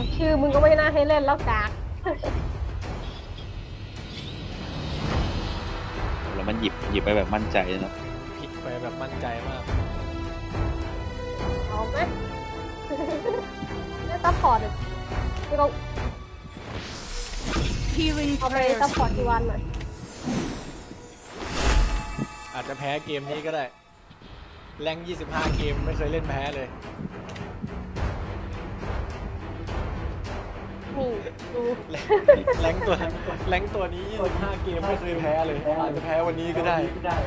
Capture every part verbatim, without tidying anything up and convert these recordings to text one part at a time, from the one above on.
ชื่อมึงก็ไม่น่าให้เล่นแล้วกากแล้วมันหยิบหยิบไปแบบมั่นใจเนาะผิดไปแบบมั่นใจมากเอาไหมเล่นซัพพอร์ตดิที่เราเอาไปซัพพอร์ตที่วันหน่อยอาจจะแพ้เกมนี้ก็ได้แรงยี่สิบห้าเกมไม่เคยเล่นแพ้เลยนี่ดูแรงตัวแรงตัวนี้ยี่สิบห้าเกมไม่เคยแพ้เลยอาจจะแพ้วันนี้ก็ได้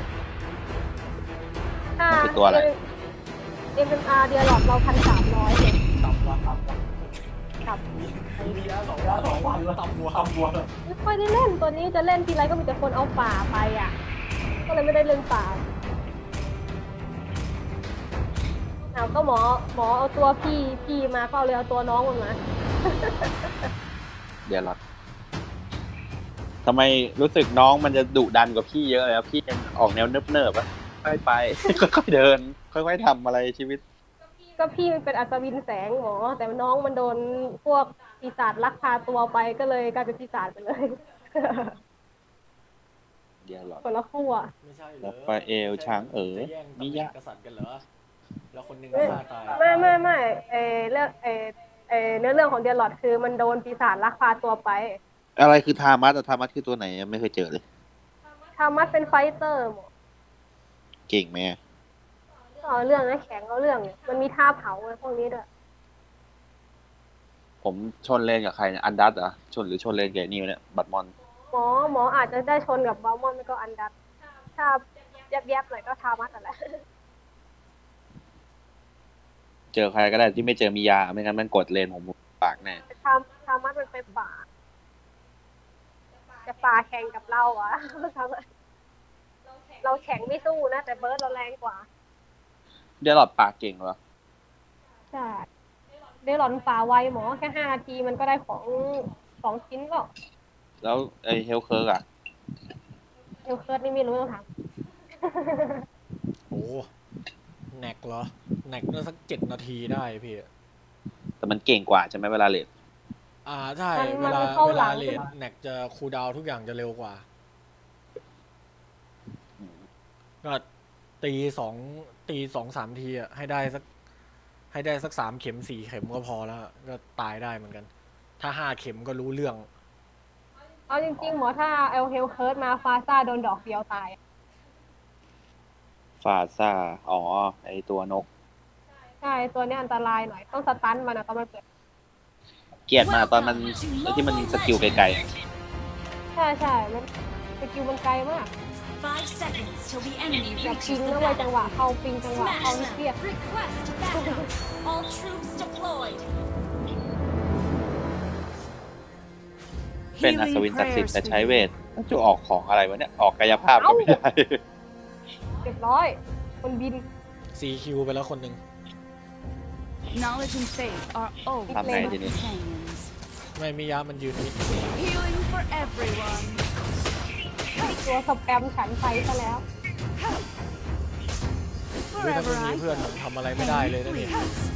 ถ้าเอ็มเอ็มอาร์เดียร์หลอดเราพันสามร้อยเลยต่ำวะต่ำวะครับมีแล้วสองวันสองวันต่ำวัวต่ำวัวไม่ค่อยได้เล่นตัวนี้จะเล่นทีไรก็มีแต่คนเอาป่าไปอ่ะก็เลยไม่ได้เล่นป่าเอาก็หมอหมอเอาตัวพี่พี่มาก็เอาเลยเอาตัวน้องมันมาเดี๋ยวหรอทำไมรู้สึกน้องมันจะดุดันกว่าพี่เยอะเลยพี่ยังออกแนวเนิบๆอะค่อยไปค่อยๆเดินค่อยๆทำอะไรชีวิตก็พี่มันเป็นอัศวินแสงหมอแต่น้องมันโดนพวกปีศาจลักพาตัวไปก็เลยกลายเป็นปีศาจไปเลยเดี๋ยวหรอคนละขั้วไม่ใช่เหรอแล้วไปเอลช้างเอ๋อมิยะกษัตริย์กันเหรอแล้วคนหนึ่งก็ฆ่าตายไม่ไม่ไม่เอเรื่องเอเอเนื้อเรื่องของเดียร์ลอดคือมันโดนปีศาจลักพาตัวไปอะไรคือทามัสอะทามัสคือตัวไหนไม่เคยเจอเลยทามัสเป็นไฟเตอร์หมอเก่งไหมเอาเรื่องนะแข็งเอาเรื่องมันมีท่าเผาอะไรพวกนี้ด้วยผมชนเลนกับใครเนี่ยอันดัตเหรอชนหรือชนเลนกับนี่เนี่ยบัตมอนหมอหมออาจจะได้ชนกับบาลมอนไม่ก็อันดัตถ้าแยบๆหน่อยก็ทามัสอะไรเจอใครก็ได้ที่ไม่เจอมียาไม่งั้นมันกดเลนผมปากแน่ทาทามัสมันไปป่าจะป่าแข่งกับเราอะเราแข็งไม่สู้นะแต่เบิร์ดเราแรงกว่าเดลอดปากเก่งเหรอใช่เดลอดป่าไวหมอแค่ห้านาทีมันก็ได้ของสองชิ้นก็แล้วไอเฮลเคิร์กอะเฮลเคิร์กนี่ไม่รู้ต้องถามโอ้แน็กเหรอแน็กน่าสักเจ็ดนาทีได้พี่แต่มันเก่งกว่าใช่ไหมเวลาเลดอ่าใช่เวลาเวลาเลดแน็กจะคูลดาวทุกอย่างจะเร็วกว่าก็ตีสองตีสองสามทีอ่ะให้ได้สักให้ได้สักสามเข็มสี่เข็มก็พอแล้วก็ตายได้เหมือนกันถ้าห้าเข็มก็รู้เรื่องเอาจริงๆหมอถ้าเอลเฮลเคิร์ดมาฟาซ่าโดนดอกเดียวตายฟาซ่าอ๋อไอตัวนกใช่ตัวนี้อันตรายหน่อยต้องสตันมันนะตอนมันเกิดเกลียดมาตอนมันที่มันสกิลไกลๆใช่ใช่มันสกิลมันไกลมากอยากปิงแล้วไวจังหวะเข้าปิงจังหวะเข้านิดเดียวเป็นอัศวินศักดิ์สิทธิ์แต่ใช้เวทจะออกของอะไรวะเนี่ยออกกายภาพก็ไม่ได้เรียบร้อยคนบินซีคิวไปแล้วคนหนึ่งทำไงทีนี้ไม่มียามันยืนนิดตัวสแปมฉันไปซะแล้วถ้าไม่มีเพื่อนทำอะไรไม่ได้เลยนะนี่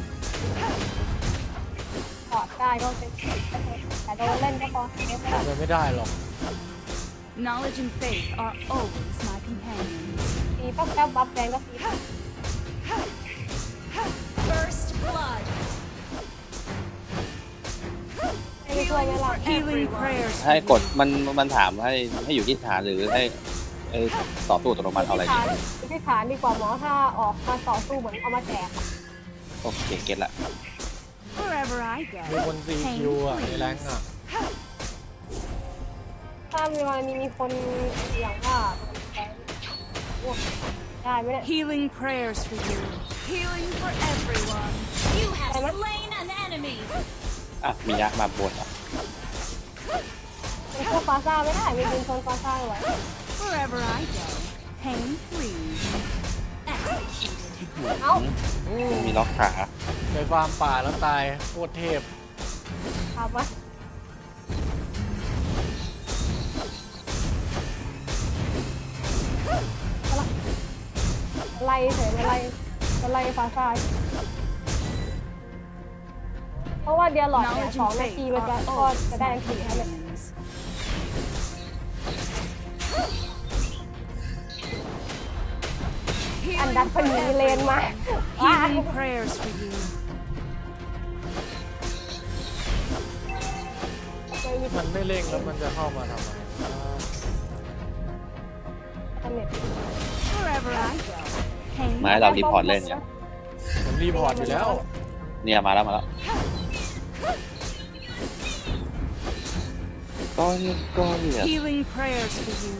ถอดได้ก็เป็นแต่โดนเล่นก็พอทำอะไรไม่ได้หรอกตีปั๊บแป๊บบัฟแดงก็ตีให้ช่วยไหมล่ะให้กดมันมันถามให้ให้อยู่ที่ฐานหรือให้ไอ้ต่อตู้อัตโนมัติเอาอะไรดีที่ฐานดีกว่าหมอถ้าออกมาต่อสู้เหมือนเอามาแจกโอเคเก็ตละมีคนซีคิวอ่ะในแรงอ่ะถ้ามีวันนี้มีคนอย่างว่าได้ไหมเนี่ย Healing prayers for you Healing for everyone You have slain an enemy อ่ะมียะมาบวชอ่ะเป็นพวกฟาซ่าไม่ได้มีเป็นคนฟาซ่าไว้ Wherever I go pain free เอ้ามีล็อกขาไปฟาร์มป่าแล้วตายโคตรเทพทำวะไล่เฉยไล่ไล่ฟาซ่าฟราะว่าเดียร์หลอดเนี่ยสองนาทีมันจะก็จะได้อันสี่ให้เลย อันดับคนนี้เลนมาว้า Healing prayers for you. มันไม่เร่งแล้วมันจะเข้ามาทำไม Wherever I go. Pain มาให้เรารีพอร์ตเล่นเนี่ยผมรีพอร์ตอยู่แล้วเนี่ยมาแล้วมาแล้วก็เนี่ยก็เนี่ย Healing prayers for you.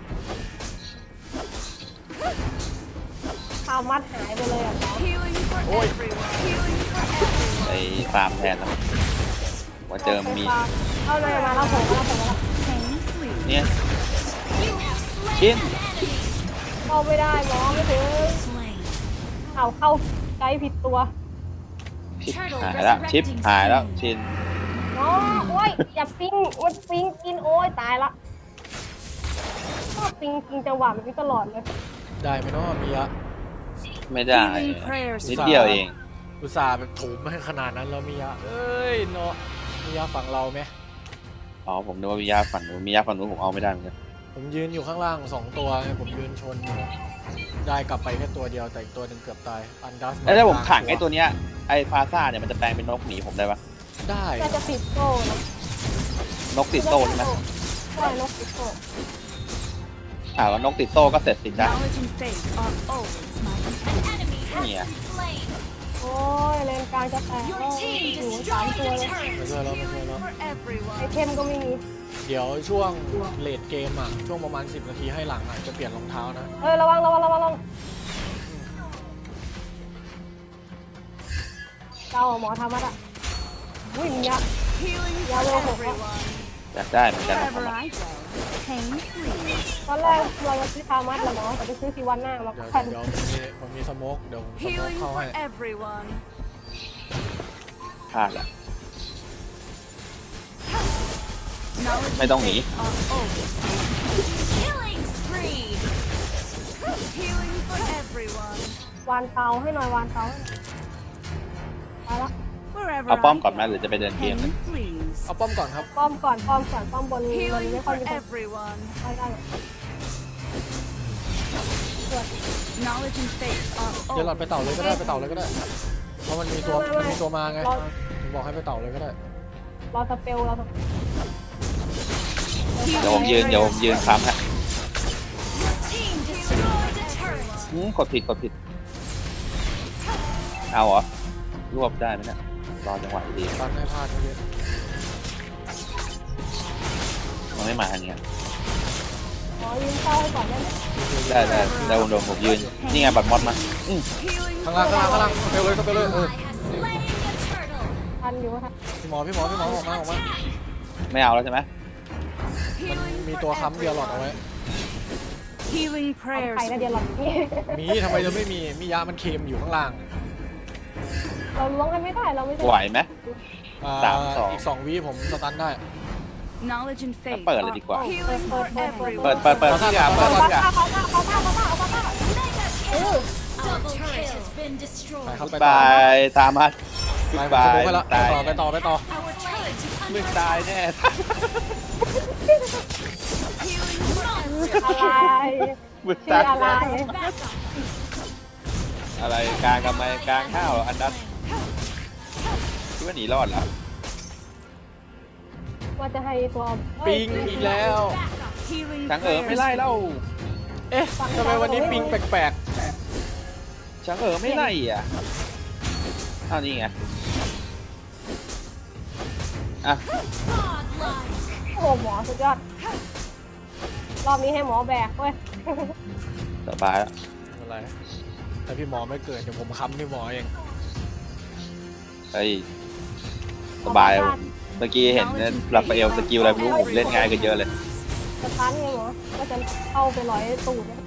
ข้าวมัดหายไปเลยอ่ะน้อง Healing for everyone. Healing for everyone. ไปฟาร์มแทนนะว่าเจอมีเอาเลยมาแล้วผมมาแล้วผมมาแล้ว Pain, please. เนี่ย You have slain Chin. an enemy. เข้าไม่ได้หมอไม่ถึง Slain. เอาเข้าไกด์ผิดตัวชิปหายแล้วชิปหายแล้วชินน้องโอ้ยอย่าปิ้งมันปิ้งกินโอ้ยตายละชอบปิ้งกินจังหวะแบบนี้ตลอดเลยได้ไหมเนาะมีอะไม่ได้ Healing prayers นิด for เดียวเองอุตส่าห์แบบถูมให้ขนาดนั้นแล้วมีอะเอ้ยเนาะมีอะฝั่งเราไหมอ๋อผมนึกว่ามียาฝั่งนู้นมียาฝั่งนู้นผมเอาไม่ได้เหมือนกันผมยืนอยู่ข้างล่างสองตัวไงผมยืนชนอยู่ได้กลับไปแค่ตัวเดียวแต่อีกตัวหนึ่งเกือบตายอันดัสแล้วถ้าผมขังไอ้ตัวเนี้ยไอ้ฟาซ่าเนี่ยมันจะแปลงเป็นนกหนีผมได้ปะได้น่าจะติดโซ่นะนกติดโซ่ใช่ไหมใช่นกติดโซ่อ่าว่านกติดโซ่ก็เสร็จสิ้นได้ Knowledge and faith are always my An enemy has Yeah. been slain. โอ้ยเลนกลางจะแตก Your โอ้ย team อยู่สาม destroyed ตัว a เลย turret. ไม่ช่วยแล้วไม่ช่วยแล้ว For ไอ everyone. เทมก็ไม่มีเดี๋ยวช่วงเลดเกมอ่ะช่วงประมาณสิบนาทีให้หลังอ่ะจะเปลี่ยนรองเท้านะเอ้ยระวังระวังระวังระวังเจ้าหมอทำมาละอุ้ยมีอะ Healing Yeah, for well, well, everyone. อยากได้เหมือนกันนะ Wherever I go. Pain, please. ตอนแรกเราจะซื้อทามัดแหละหมอแต่ไปซื้อซีวันหน้ามาเดี๋ยวพันเดี๋ยวผมมีผมมีสโมกเดี๋ยวผมสโมก Healing เข้า for ให้ everyone. พลาดละ Knowledge ไม่ต้องหนี are always killing spree. Healing for everyone. วานเตาให้หน่อยวานเตาให้หน่อยไปละ Wherever เอาป้อม I ก่อนไหม go. หรือจะไปเดินเกม Pain, please. เอาป้อมก่อนครับป้อมก่อนป้อมก่อนป้อมบนบน Healing ไม่ค่อย for มีคน everyone. ไปได้หรอกตรวจ Knowledge and faith are เดี๋ยวหลอด always ไปเต่าเลยก็ได้ไปเต่าเลยก็ได้ เพราะมันมีตัวมันมีตัวมาไงผมบอกให้ไปเต่าเลยก็ได้รอสเปลเราสเปลเดี๋ยวผมยืนเดี๋ยวผมยืนค้ำฮะ team destroyed a turret. อืมกดผิดกดผิด เอาเหรอ รวบได้ไหมเนี่ย รอจังหวะดีตันให้พลาดเมื่อกี้ๆมันไม่มาทางเนี้ยหมอยืนเต้าให้ก่อนได้ไหมได้ได้ได้ผมโดนผมยืน นี่ไงบัตรมอดมาอืม Healing ข้างล่างข้างล่างข้างล่างไปเลยก็ไปเลยเออ ally has slain the turtle. ทันอยู่ทันพี่หมอพี่หมอพี่หมอออกมาออกมาไม่เอาแล้วใช่ไหมมัน Healing มี for ตัวค้ำเดียวหลอดเอาไว้ everyone. Healing ทำ prayers. ใครนะเดียวหลอดนี่มีทำไมจะไม่มีมียามันเค็มอยู่ข้างล่างเราล้วงกันไม่ได้เราไม่ใช่ไหวไหมอ่สามสองอีกสองวิผมสตันได้ Knowledge and faith เปิดเลยดีกว่า are healing for เปิด everyone. เปิดเปิดทุกอย่างเปิดทุกอย่างเอาเข้าเอาเข้าเอาเข้าเอาเข้า Mega kill. Double turret has been ไป destroyed. ครับไปบต่อายตามมาไปบายไปละไปตายต่อไปต่อไปต่อ Our turret is มึ under งตายแน่ healing for อะไรมึงชื่ตาอย อะไร backup. อะไรกลางทำไมกลางข้าวเหรออันดับคิดว่าหนีรอดเหรอว่าจะให้ตัวปิงอีกแล้ว Healing ช้างเอ๋อไม่ prayers. ไล่เล่าเอ๊ะทำไมวันนี้ปิงแปลกช้างเอ๋อไม่ไล่อ่ะอ้าวนี่ไงอ่ะ Godlike. โอ้โหหมอสุดยอด รอบนี้ให้หมอแบกเว้ยสบายแล้วๆอะไรถ้าพี่หมอไม่เกิดเดี๋ยวผมค้ำพี่หมอเองเฮ้ยสบายผมเมื่อกี้เห็นเนี่ยรับไปเอลสกิลอะไรไม่รู้ผมเล่นง่ายกันเยอะเลยสตันไงหมอก็จะเข้าไปร้อยตูดเนี่ย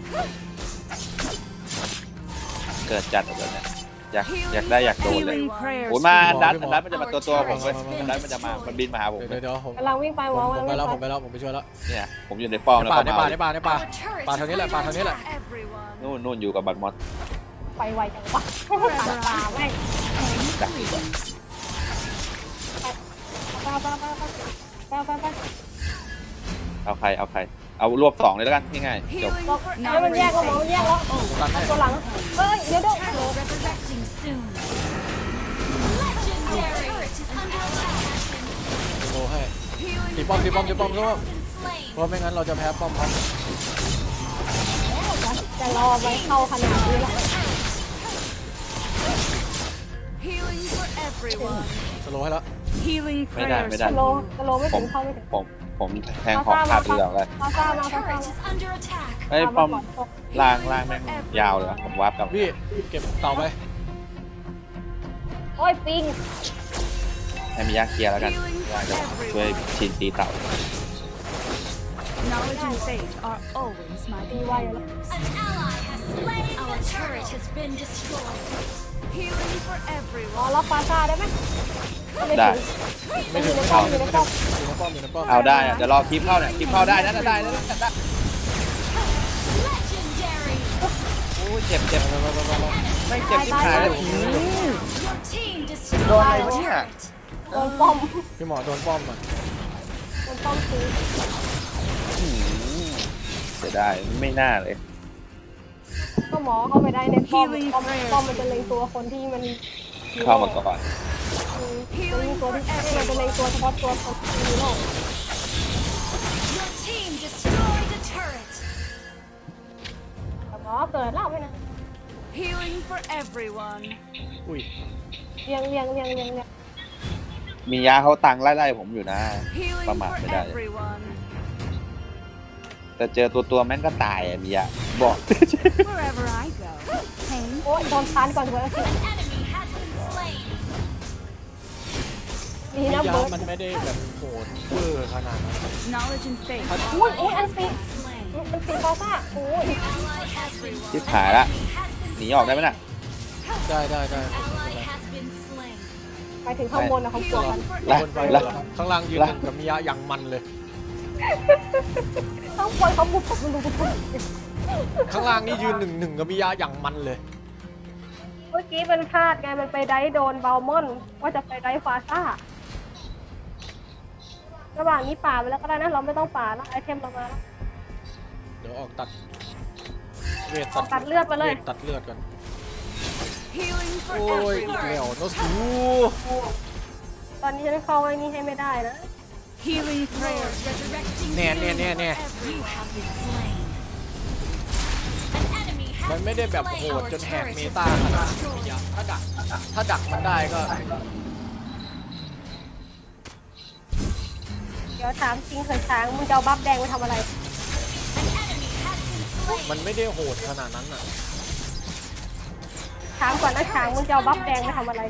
เกิดจัดแบบเนี้ยอยากอยากได้อยากโดนเลย Healing prayers. โอ้ยมาอันดับอันดับมันจะมาตัวตัวผมเว้ยอันดับมันจะมามันบินมาหาผมเดี๋ยวเว้ยเดี๋ยวผมกำลังวิ่งไปหผมอผกำลัมงไปวิ่งแล้วไปผมไปแล้วผมไปช่วยแล้วเนี่ยผมอยู่ในป้อมในแล้วป่าก็ในมาป่าในป่าในป่า Our turret ป่า is ทางนี้แหละป่าทางนี้แหละ for everyone. นู่นนู่นอยู่กับบัตรมอสไปไวจังวะป่าป่าแม่งดักดีกว่าเอาใครเอาใครเอารวบสองเลยแล้วกันง่ายๆจบ Healing บอก for ให้มันแยกก็หมอ everyone. มันแยกแล้วตันให้ตัวหลังเอ้ยเดี๋ยวเดี๋ยว Resurrecting soon. Legendary. Turret is under attack. โลให้ Healing ตีป้อมตีป้อมตีป้อม enemy สู้ has been slain. เพราะไม่งั้นเราจะแพ้ป้อมเขาจะรอไปเข้าขนาดนี้แล้ว Healing for everyone. สโลให้แล้ว Healing ไม่ได้ prayers. ไม่ได้สโลสโลไม่ผถึมงเข้าไม่ถึงผมผมแทงของขาดดีกว่าเลยพาซ่ามาพาซ่า Turret is under attack. เอ้ยป้อมล่างล่างแม่งยาวเลยวะผมวาร์ปกลับพี่เก็บเต่าไปโอ้ยปิงให้มียาเคลียร์แล้วกันยาจะช่วยชินตีเต่า Knowledge and faith are always my companions. An ally has slain. Our turret has been destroyed. Healing for อ๋อ everyone. ล็อกพาซ่าได้ไหมไม่ได้ถึงไม่ถึงอยู่ในไม่ป้อมถึอง ยู่ในไม่ป้ถึอง มอยู่ในป้อมอยู่ในป้อมเอาได้อะเดี๋ยวรอคลิปเข้าเนี่ยคลิปเข้าได้นะได้ได้ได้ได้ Legendary. โอ้ยเจ็บเจ็บไปไปไปไปไปไม่เจ็บที่ขาเลย Your team โดนอะไร destroyed วะ a เนี่ย turret. โดนป้อมพี่หมอโดนป้อมอ่ะโดนป้อมตีอืมเสียดายไม่น่าเลยก็หมอเข้าไปได้ในป้อมป้อมป้อมมันจะเล็งตัวคนที่มันเข้ามาก่อนอืมจะเล็งตัวที่มันจะเล็งตัวเฉพาะตัวคนที่มีโรค Your team destroyed a turret. แต่หมอเกิดแล้วไม่นะ Healing for everyone. อุ้ยเรียงเรียงเรียงเรียงเรียงมียาเขาตังไล่ไล่ผมอยู่นะ Healing Come on, for medalha. everyone. แต่เจอตัวตัวแม่งก็ตายอ่ะมียาบอก Wherever I go. Pain. โอ้ยโดนทานก่อนเลย An enemy has been slain. ดีวินะญญาเบิณร์ดมันไม่ได้แบบโหดเวอร์ขนาดนั้น Knowledge and faith. อุ้ยอุ้ยอันตี Slain. มันตีฟาซ่าโอ้ย Ally has been ชิบหายละ หนีออกได้ไหมน่ะได้ได้ได้ Ally has been slain. ไปถึงข้างบนนะเขากลัวกันไล่บนไปไล่ข้างล่างยืนหนึ่งกับมิยะอย่างมันเลยข้างบนเขาบุกผมดูทุกคนข้างล่างนี่ยืนหนึ่งหนึ่งกับมิยะอย่างมันเลยเมื่อกี้มันพลาดไงมันไปได้โดนเบลมอนว่าจะไปได้ฟาซ่าระหว่างนี้ป่าไปแล้วก็ได้นะเราไม่ต้องป่าแล้วไอเทมเรามาแล้วเดี๋ยวออกตัดเวทตัดเลือดไปเลยวทตัดเลือดกัน Healing for โอ้ยอีก everyone. แล้วโนสูตอนนี้ฉันเข้าไอ้นี่ให้ไม่ได้นะ Healing prayers. Resurrecting แน่แน่แน่แน่ soon. You have been slain. An enemy มัน has ไม่ได้ been แบบโห slain. ด Our จนแหก turret เม has ตา been ขนาดมิ destroyed. ยะถ้าดักถ้าดักมันได้ก็เดี๋ยวถามจริงเถิดช้างมึงจะเอาบัฟแดงไปทำอะไร An enemy has been slain. มันไม่ได้โหดขนาดนั้นอ่ะช้างก่อนนะช้างมึงจะเอาบัฟแดงไปทำอะไร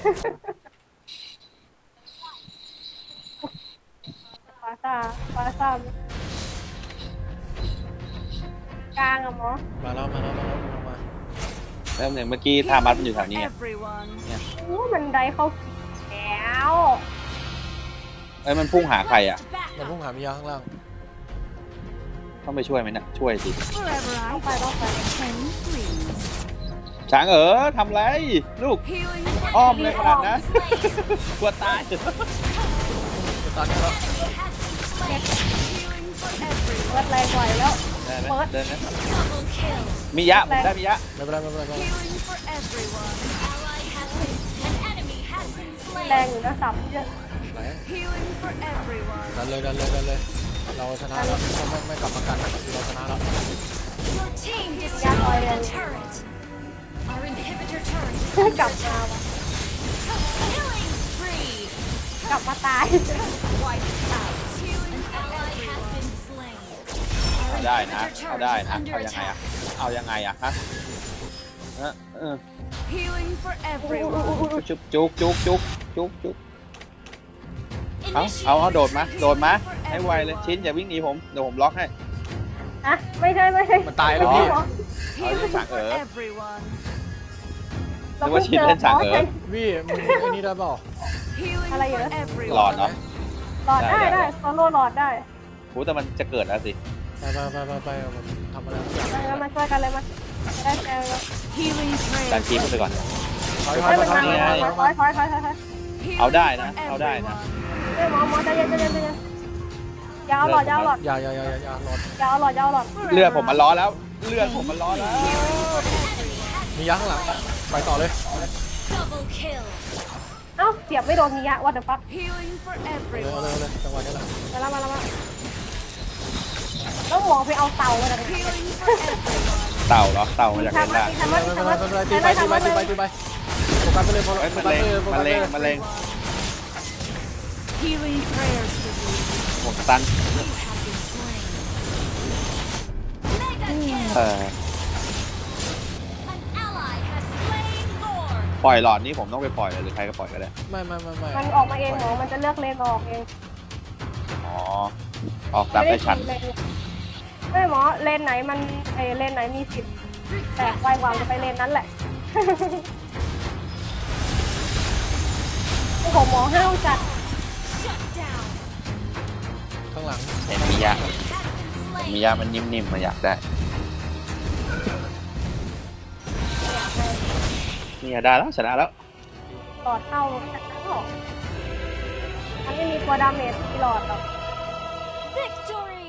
ฟาซ่าฟาซ่ากลางอะหมอมาแล้วมาแล้วมาแล้วมาเริ่มเนี่ยเมื่อกี้ทามัดมันอยู่แถวนี้ไง Everyone. โอ้มันได้เข้าแล้วเอ้ยมันพุ่งหาใครอ่ะมันพุ่งหามิยะข้างล่างต้องไปช่วยไหมเนี่ยช่วยสิ Wherever ต้อ I งไปต้องไป can please. ช้างเออทำไรลูก Healing อ้อ for มเลยขนาดนั้น everyone. กลัวตายจะตัดได้แล้ว Healing for everyone. เลือดแรงกว่าอีกแล้วได้ไหมเดินไหม Double kill. มียะผมได้มียะไม่เป็นไรไม่เป็นไรไม่เป็นไร Healing for everyone. Ally has been. An enemy has been แรง slain. อยู่นะสับเยอะไหน Healing for everyone. ดันเลยดันเลยดันเลย เราชนะแล้วถ้าไม่ไม่กลับมากันเราชนะแล้ว Your team destroyed the turret. Our inhibitor turret. กลับมาว่ะ Killing spree. กลับมาตาย Wiped out. Healing ally has been slain. เอาได้นะเอาได้นะเอายังไงอ่ะเอายังไงอ่ะฮะเออเออ Healing for everyone. จุกจุกจุกจุกจุกจุกเอาเอาเอาโดดมาโดดมาให้ไวเลยชิ้นอย่าวิ่งหนีผมเดี๋ยวผมล็อกให้อะไม่ใช่ไม่ใช่มันตายแล้วพี่เอา Healing ที่สั่ง for เอ๋อ everyone. เราเพิ่งเจอนึกว่าชิ้นเล่นฉากหมอเอ๋อใช่วี่มึงไอ้นี่ได้เปล่า Healing อะไรเหรอ for everyone. หลอดเนาะหลอดได้ได้ได้โซโล่หลอดได้โหแต่มันจะเกิดแล้วสิไปไปไปไปไปทำอะไรทุกอย่างไปแล้วมาช่วยกันเลยมาจะได้แซวแล้ว Healing ดัน prayers. คีบไปก่อนถอยถอเฮ้ยยมันถอมายถอยถถออย ยถอยถอยถอยถอยถอย Healing เอาได้นะ for เอาได้นะ everyone. เฮ้ยหมอหมอใจเย็นใจเย็นใจเย็นยาวหลอดยาวหลอดอย่าอย่าอย่าอย่าอย่าหลอดยาวหลอดยาวหลอดเลือดผมมันร้อนแล้ว เลือดผมมันร้อนแล้วมียักษ์ข้างหลังไปต่อเลย Double kill. เอ้าเสียบไม่โดนมียะวัดเดอะฟัก Healing for เอาเลยเอา everyone. เลยเอาเลยจังหวะนี้แหละมาแล้วมาแล้วมาแล้วหมอไปเอาเต่ามาจากไหน Healing for everyone. เต่าเหรอ เต่ามาจากทำไหนมาล่ะทำมาไม่ทำเป็มานไรตีไปตีไปตีไปตีไปโฟกัสไปเลยโฟเอ้ยกัมันสไปเลงเลยโฟมักัสนไปเลงเลยมันเลง Healing prayers for you. ผมตัน You have been slain. Mega เอ kill. อ An ally has slain Lord. ปล่อยหลอดนี้ผมต้องไปปล่อยเลยหรือใครก็ปล่อยก็ได้ไม่ไม่ไม่ไม่มันออกมาเองหมอมันจะเลือกเลนออกเองอ๋อ ออกตามได้ชันเลนไม่หมอเลนไหนมันไอเลนไหนมีสิทธิ์แตกไวกว่าจะไปเลนนั้นแหละ โอ้โหหมอห้าวจัด Shut down. ข้างหลังเห็นมียา Has been มี slain. ยามันนิ่มๆมาอยากได้เนี่ยได้แล้วชนะแล้วหลอดเข้ามันไม่มีตัวดาเมจที่หลอดหรอก Victory.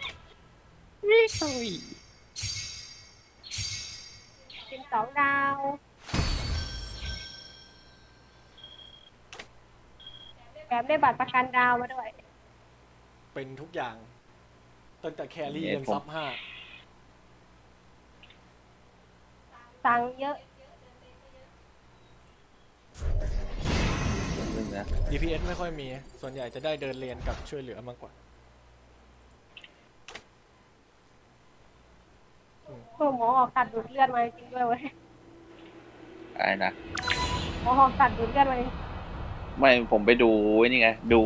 สิบสองดาวแถมได้บัตรประกันดาวมาด้วยเป็นทุกอย่างตั้งแต่แครี่เนี่ยยันผมซับห้าสั่งเยอะนึงนะดี พี เอส ไม่ค่อยมี ส่วนใหญ่จะได้เดินเลนกับช่วยเหลือมากกว่าเพื่อหมอออกตัดดูดเลือดมาจริงด้วยเว้ยอะไรนะหมอออกตัดดูดเลือดมาไม่ผมไปดูไอ้นี่ไง ดู